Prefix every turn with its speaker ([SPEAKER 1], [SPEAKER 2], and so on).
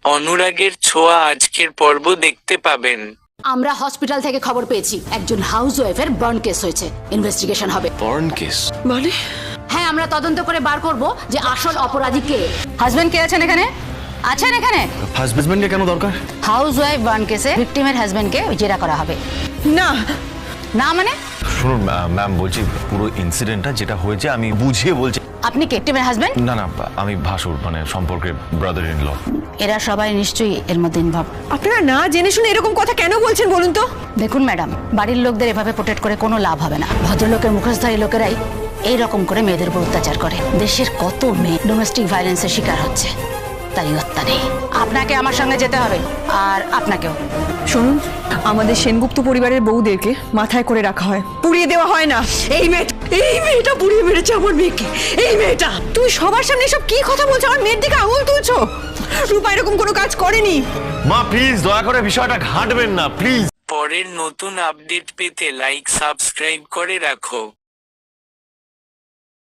[SPEAKER 1] অনুরাগের ছোঁয়া আজকের পর্ব দেখতে পাবেন।
[SPEAKER 2] আমরা হসপিটাল থেকে খবর পেয়েছি একজন হাউসওয়াইফের বার্ন কেস হয়েছে, ইনভেস্টিগেশন হবে।
[SPEAKER 3] বার্ন কেস
[SPEAKER 4] মানে?
[SPEAKER 2] হ্যাঁ, আমরা তদন্ত করে বার করব যে আসল অপরাধী কে। হাজবেন্ড কে আছেন এখানে? আছেন এখানে?
[SPEAKER 3] হাজবেন্ডকে কেন দরকার?
[SPEAKER 2] হাউসওয়াইফ বার্ন কেসে ভিকটিমের হাজবেন্ডকে জেরা করা হবে।
[SPEAKER 4] না
[SPEAKER 2] না মানে?
[SPEAKER 3] শুনুন ম্যাম, বলছি পুরো ইনসিডেন্টটা যেটা হয়েছে আমি বুঝিয়ে বলছি।
[SPEAKER 2] আপনি কে ভিকটিমের হাজবেন্ড?
[SPEAKER 3] না না, আমি ভাসুর, মানে সম্পর্কে ব্রাদার ইন ল।
[SPEAKER 2] এরা সবাই নিশ্চয়ই এর মধ্যে ইনভলভ।
[SPEAKER 4] আপনারা না জেনে শুনে এরকম কথা কেন বলছেন বলুন তো?
[SPEAKER 2] দেখুন ম্যাডাম, বাড়ির লোকদের এভাবে প্রোটেক্ট করে কোনো লাভ হবে না। ভদ্রলোকের মুখোশধারী লোকেরাই এই রকম করে মেয়েদের উপর অত্যাচার করে। দেশের কত মেয়ে ডোমেস্টিক ভায়োলেন্সের শিকার হচ্ছে, তাই হত্যা নেই। আপনাকে আমার সঙ্গে যেতে হবে, আর আপনাকেও।
[SPEAKER 4] শুনুন, আমাদের সেনগুপ্ত পরিবারের বউদেরকে মাথায় করে রাখা হয়, পুড়িয়ে দেওয়া হয় না। এই মেয়েটা পুড়িয়ে মেরেছে আমার মেয়েকে। এই মেয়েটা, তুমি সবার সামনে সব কি কথা বলছো? আমার মেয়ের দিকে আঙুল তুলছো। রূপা এরকম কোনো কাজ করেনি।
[SPEAKER 3] মা প্লিজ দয়া করে বিষয়টা ঘাঁটবেন না প্লিজ।
[SPEAKER 1] পরের নতুন আপডেট পেতে লাইক সাবস্ক্রাইব করে রাখো।